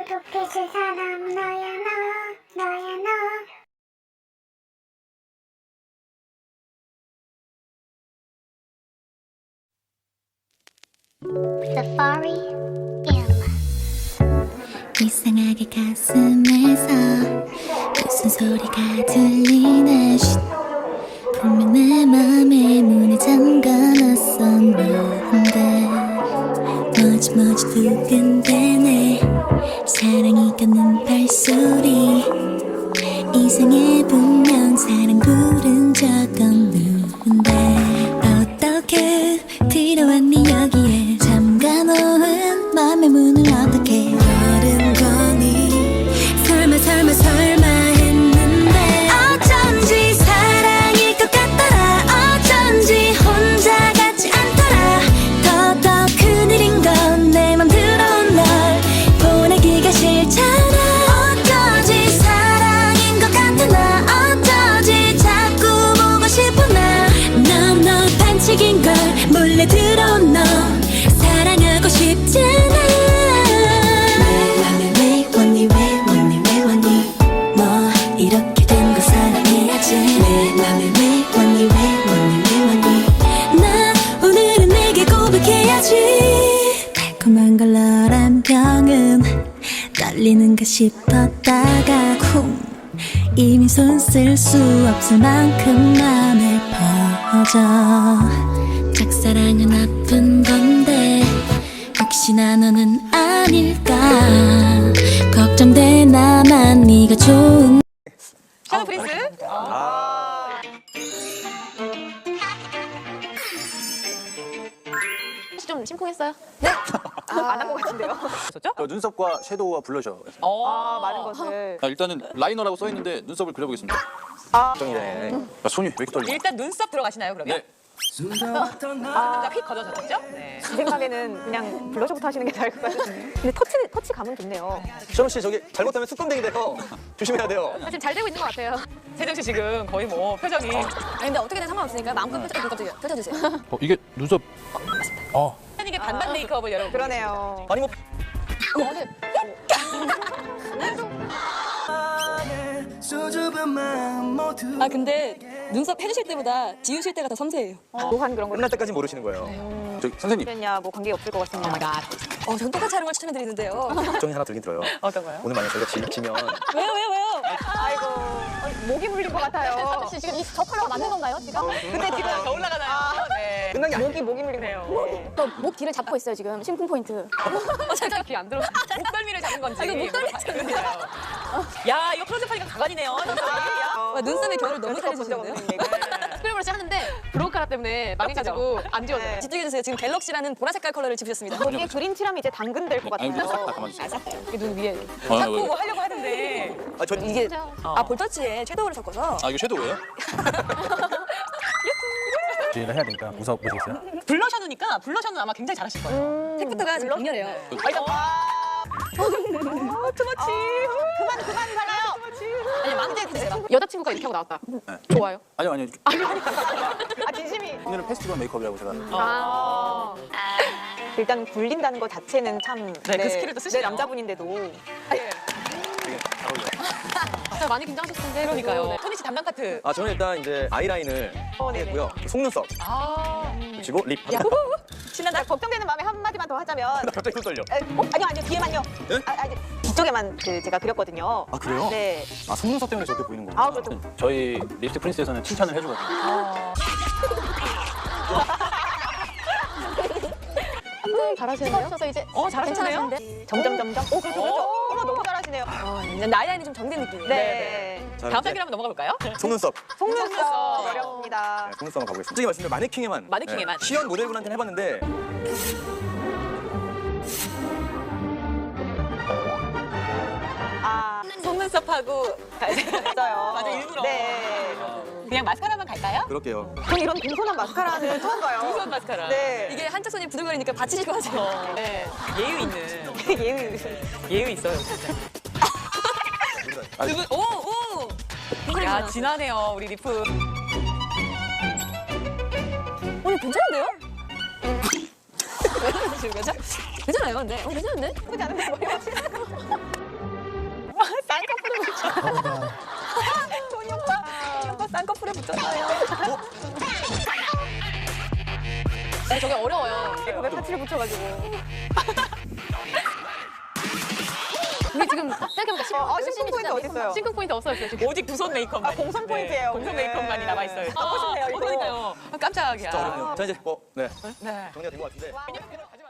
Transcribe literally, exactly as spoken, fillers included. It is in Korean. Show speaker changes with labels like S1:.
S1: 고독해질 사람 너야 너 너야 너. Safari
S2: 이상하게 가슴에서 무슨 소리가 들리나 쉿. 분명 내 맘에 문을 잠가놨었는데 뭐지 뭐지 두근대네 사랑이 걷는 발소리 이상해 분명 사랑 부른 적 없는데 어떻게 들어왔니 여기에 잠가놓은 맘의 문을 어떻게 열은 거니 설마 설마 설마 했는데 어쩐지 사랑일 것 같더라 어쩐지 혼자 같지 않더라 더더 큰일인 건 내 맘 들어온 널 보내기가 싫잖아 어쩌지 사랑인 것 같아 나 어쩌지 자꾸 보고 싶어 나너너 반칙인 걸 몰래 들어온 너 사랑하고 싶잖아 왜 왔니 왜 왔니 왜 왔니 뭐 이렇게 된 거 사랑해야지 내 맘에 왜 왔니 왜 왔니 왜 왔니 나 오늘은 내게 고백해야지 달콤한 걸 너란 병은 떨리는가 싶었다가 쿵 이미 손 쓸 수 없을 만큼 맘에 퍼져 짝사랑은 아픈 건데 혹시나 너는 아닐까 걱정돼 나만 네가 좋은
S3: 샤워 프린스? 아. 혹시 좀 심쿵했어요? 네? 아, 안 한 것 같은데요?
S4: 저 눈썹과 섀도우와 블러셔.
S3: 아, 많은 것을.
S4: 아, 일단은 라이너라고 써 있는데 눈썹을 그려보겠습니다.
S3: 아.
S4: 정이네. 아, 손이 왜 이렇게 떨려?
S3: 일단 눈썹 들어가시나요, 그러면?
S4: 네.
S3: 아, 휙 걷어졌죠? 네. 제 생각에는 그냥 블러셔부터 하시는 게 나을 것 같은데. 근데 터치, 터치 감은 좋네요.
S5: 시험 씨 저기 잘못하면 습관되게 돼요. 조심해야 돼요.
S3: 사실 잘 되고 있는 것 같아요. 세정 씨 지금 거의 뭐 표정이.
S6: 아니 근데 어떻게든 상관없으니까 마음껏 펼쳐, 펼쳐, 펼쳐주세요.
S4: 어, 이게 눈썹. 어.
S3: 이게 반반 메이크업을 여러분. 그러네요.
S5: 아니 뭐
S6: 아 근데 눈썹 해주실 때보다 지우실 때가 더 섬세해요.
S3: 묘한 그런 거.
S5: 끝날 때까지 모르시는 거예요.
S4: 저기 선생님.
S3: 그랬냐, 뭐 관계 없을 것 같습니다. 오 마이 갓.
S6: 어, 전 똑같이 하는 걸 추천해드리는데요.
S5: 걱정이 하나 들긴 들어요.
S3: 어떤 거요?
S5: 오늘 만약 저희가 지, 지면
S6: 왜요 왜요 왜요?
S3: 아이고, 어, 목이 물린 것 같아요.
S6: 지금 이 저 컬러가 맞는 건가요 지금?
S3: 근데 지금 더 올라가나요? 네.
S5: 끝난 게 아니에요.
S3: 목이 목이 물리네요.
S6: 목 뒤를 잡고 있어요 지금 심쿵 포인트.
S3: 어, 잠깐 귀 안 들어. 목덜미를 잡은 건지.
S6: 이거 목덜미
S3: 잡은 거예요. 야, 이거 클로즈업하니까 가관이네요.
S6: 와, 눈썹의 결을 너무 잘해주시는데요?
S3: 스크램블러시 하는데 브로우카라 때문에 망해가지고 안 지워져요.
S6: 집중해주세요. 지금 갤럭시라는 보라 색깔 컬러를 집으셨습니다.
S3: 여기에 그린 칠하면 이제 당근될 것
S4: 아니,
S3: 같아요.
S4: 싹 다 가만히 있어요.
S3: 이게 눈 위에.
S4: 아,
S3: 자꾸
S4: 왜, 왜?
S3: 뭐 하려고 하는데.
S5: 아, 저
S6: 이게 아 볼터치에 섀도우를 섞어서
S4: 아, 이거 섀도우예요?
S5: 주의를 해야 되니까 웃어 보시겠어요?
S3: 블러셔누니까 블러셔는 아마 굉장히 잘하실 거예요.
S6: 색부터가 지금 강렬해요.
S3: 아, 일단 아, 투머치. 그만 그만 발라요.
S6: 아니 마음대로 해주세요.
S3: 여자친구가 이렇게 하고 나왔다. 좋아요?
S4: 아니요, 아니요.
S3: 아, 진심이.
S4: 오늘은 페스티벌 메이크업이라고 제가.
S3: 아. 일단 굴린다는 것 자체는 참. 네, 그 스킬을 또 쓰시네요. 네, 남자분인데도.
S4: 되게 잘 어울려요.
S3: 자, 많이 긴장하셨을 텐데. 그러니까요. 네. 토니 씨 담당 파트.
S5: 아 저는 일단 이제 아이라인을
S3: 어, 네네.
S5: 했고요. 속눈썹
S3: 아.
S5: 그리고 립.
S3: 신난다. 걱정되는 마음에 한마디만 더 하자면.
S5: 갑자기 손 떨려.
S3: 에, 어? 아니요, 아니요. 뒤에만요.
S5: 네?
S3: 아, 아니, 뒤쪽에만 그 제가 그렸거든요.
S5: 아 그래요?
S3: 네.
S5: 아 속눈썹 때문에 저렇게 보이는 거구나.
S3: 아, 그렇죠.
S4: 저희 립스틱 프린스에서는 칭찬을 해주거든요.
S3: 잘하시네요.
S6: 찍어서 이제
S3: 어, 잘하시네요.
S6: 괜찮으신데?
S3: 점점 점점. 오, 그렇죠, 그렇죠. 어머, 너무 잘하시네요.
S6: 어, 나이 라인이 좀 정된 느낌이에요.
S3: 네.
S5: 자,
S3: 다음
S5: 이제
S3: 단계로 한번 넘어가 볼까요?
S5: 속눈썹.
S3: 속눈썹 어렵습니다.
S5: 네, 속눈썹 한번 가보겠습니다. 솔직히 말씀드리면 마네킹에만.
S3: 마네킹에만.
S5: 네, 시연 모델분한테는 해봤는데
S3: 아, 속눈썹하고 했어요. 맞아, 일부러. 네. 그냥 마스카라만 갈까요?
S5: 그럴게요.
S3: 전 이런 공손한 마스카라는 처음 봐요. 공손한 마스카라. 네.
S6: 이게 한쪽 손이 부들거리니까 받치실 것 같아요.
S3: 어, 네. 예유 있는. 예유. 예유 있어요, 진짜.
S6: 두 분, 오, 오!
S3: 야, 진하네요, 우리 리프.
S6: 오늘 괜찮은데요? 왜 그러시는 거죠? 괜찮아요, 근데. 어, 괜찮은데?
S3: 나쁘지 않은데, 머리 맞추는 토니 오빠, 토니 오빠 쌍꺼풀에 붙였어요.
S7: 아니, 저게 어려워요.
S3: 메이크업에 파츠를 붙여가지고.
S7: 우리 지금 생각해보니까 싱크,
S3: 아, 싱크 포인트 어디 있어요?
S7: 싱크 포인트 없어요 지금.
S8: 오직 두 손 메이크업만.
S3: 아, 공선 포인트예요.
S8: 공선
S3: 네.
S8: 메이크업만이 남아 있어요.
S3: 갖고 싶네요, 이거.
S8: 그러니까요. 깜짝이야.
S5: 자, 어렵네요. 자, 이제 뭐, 네.
S8: 네.
S5: 정리가 된 것 같은데.
S8: 왜냐면